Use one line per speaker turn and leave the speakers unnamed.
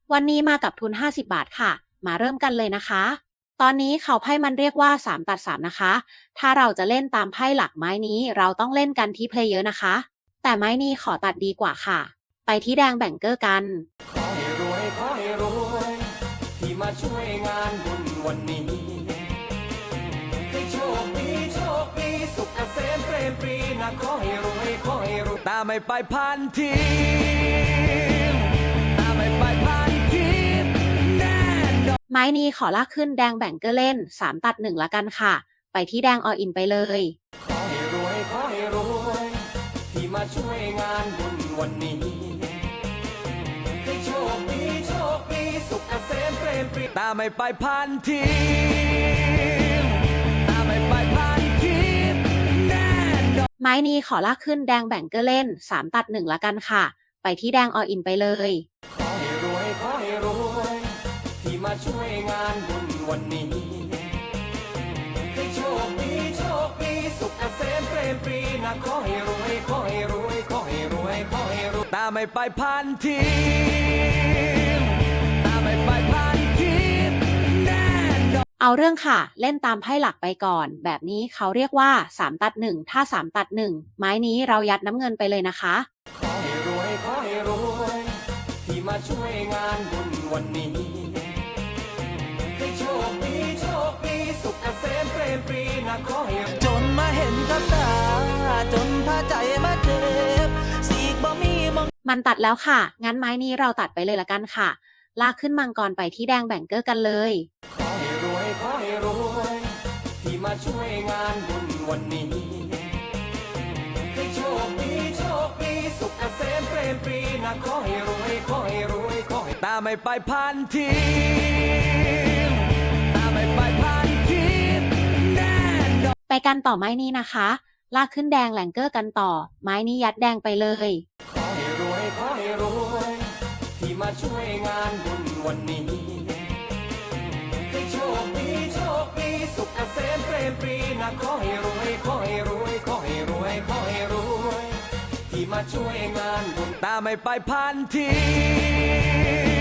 วันนี้มากับทุน50บาทค่ะมาเริ่มกันเลยนะคะตอนนี้เขาไพ่มันเรียกว่า3ตัด3นะคะถ้าเราจะเล่นตามไพ่หลักไม้นี้เราต้องเล่นกันที่เพลเยอร์นะคะแต่ไม้นี้ขอตัดดีกว่าค่ะไปที่แดงแบ่งเกอร์กัน
ขอให้รวยขอให้รวยที่มาช่วยงานบุญวันนี้ให้โชคดีโชคดีสุขเกษมเปรมปรีนะขอให้รวยขอให้รวยตาไม่ไปพันทีตาไม่ไปพันทีแน่นอน
ไม้นี้ขอลากขึ้นแดงแบ่งเกอร์เล่น3ตัด1ละกันค่ะไปที่แดงออินไปเลย
ขอให้รวยขอให้รวยที่มาช่วยงานบุญวันนี้ให้โชคดีโชคดีสุขเกษมเปรมปรีตาไม่ไปพันทีตาไม่ไปพันทีแน่นอน
ไม้นี้ขอลากขึ้นแดงแบ่งเกอร์เล่น3ตัด1ละกันค่ะไปที่แดงออินไปเลย
ขอให้รวยขอให้รวยที่มาช่วยงานบุญวันนี้ให้โชคดีโชคดีสุขเกษมเปรมปรีนะขอให้รวยขอให้รวยขอให้รวยขอให้รวยตาไม่ไปพันทีตาไม่ไปพันทีแน่นอน
เอาเรื่องค่ะเล่นตามไพ่หลักไปก่อนแบบนี้เขาเรียกว่า3ตัด1ถ้า3ตัด1ไม้นี้เรายัดน้ำเงินไปเลยนะคะ
ขอให้รวยขอให้รวยที่มาช่วยงานบุญวันนี้ให้โชคดีโชคดีสุขเกษมเปรมปรีนะขอให้
จนมาเห็นกับตาจนพาใจมาเจ็บสีกบ่มีมอง
มันตัดแล้วค่ะงั้นไม้นี้เราตัดไปเลยละกันค่ะลากขึ้นมังกรไปที่แดงแบ่งเกอร์กันเลย
ขอให้รวยขอให้รวยที่มาช่วยงานบุญวันนี้ให้โชคดีโชคดีสุขเกษมเปรมปรีนะขอให้รวยขอให้รวยขอให้ตาไม่ไปพันทีตาไม่ไปพันทีแน่นอน
ไปกันต่อไม้นี้นะคะลากขึ้นแดงแหลงเกอร์กันต่อไม้นี้ยัดแดงไปเลย
ขอให้รวยขอให้รวยที่มาช่วยงานบุญวันนี้ให้โชคดีโชคดีสุขเกษมเปรมปรีนะขอให้รวยขอให้รวยขอให้รวยขอให้รวยที่มาช่วยงานบุญตาไม่ไปพันที